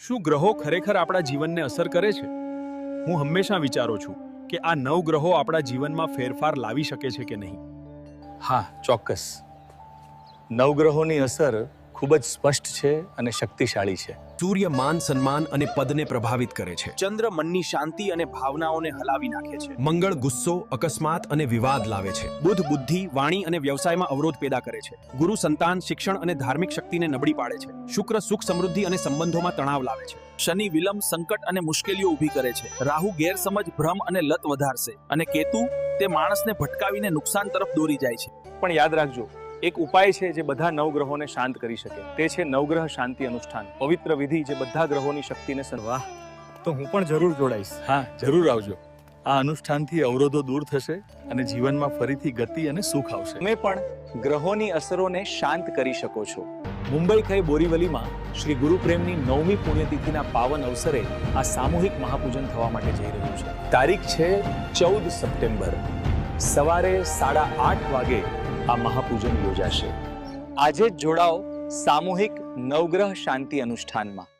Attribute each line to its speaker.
Speaker 1: શું ગ્રહો ખરેખર આપણા જીવનને અસર કરે છે? હું હંમેશા વિચારું છું કે આ 9 ગ્રહો આપણા જીવનમાં ફેરફાર લાવી શકે છે કે નહીં.
Speaker 2: હા, ચોક્કસ. નવગ્રહોની અસર ખૂબ જ સ્પષ્ટ છે અને શક્તિશાળી છે.
Speaker 3: સૂર્ય માન સન્માન અને પદને પ્રભાવિત કરે છે.
Speaker 4: ચંદ્ર મનની શાંતિ અને ભાવનાઓને હલાવી નાખે છે.
Speaker 3: મંગળ ગુસ્સો, અકસ્માત અને વિવાદ લાવે છે.
Speaker 4: બુધ બુદ્ધિ, વાણી અને વ્યવસાયમાં અવરોધ પેદા કરે છે. ગુરુ સંતાન, શિક્ષણ અને ધાર્મિક શક્તિને નબળી પાડે છે. શુક્ર સુખ સમૃદ્ધિ અને સંબંધોમાં તણાવ લાવે છે. શનિ વિલંબ, સંકટ અને મુશ્કેલીઓ ઊભી કરે છે. રાહુ ગેરસમજ, ભ્રમ અને લત વધારશે. અને કેતુ તે માણસને ભટકાવીને નુકસાન તરફ દોરી જાય છે.
Speaker 2: પણ યાદ રાખજો, એક ઉપાય છે જે બધા નવગ્રહોને શાંત કરી શકે. તે છે નવગ્રહ શાંતિ અનુષ્ઠાન, પવિત્ર વિધિ જે બધા ગ્રહોની શક્તિને
Speaker 5: વાહ, તો હું પણ જરૂર જોડાઈશ.
Speaker 2: હા, જરૂર આવજો. આ અનુષ્ઠાનથી અવરોધો દૂર થશે અને જીવનમાં ફરીથી ગતિ અને સુખ આવશે. તમે પણ ગ્રહોની અસરોને શાંત કરી શકો છો. મુંબઈ ખાઈ બોરીવલીમાં શ્રી ગુરુપ્રેમની 9મી પુણ્યતિથિના પાવન અવસરે આ સામૂહિક મહાપૂજન થવા માટે જઈ રહ્યું છે. તારીખ છે 14 સપ્ટેમ્બર. સવારે 8:30 વાગે આ મહાપૂજન યોજાશે. આજે જ જોડાઓ સામૂહિક નવગ્રહ શાંતિ અનુષ્ઠાનમાં.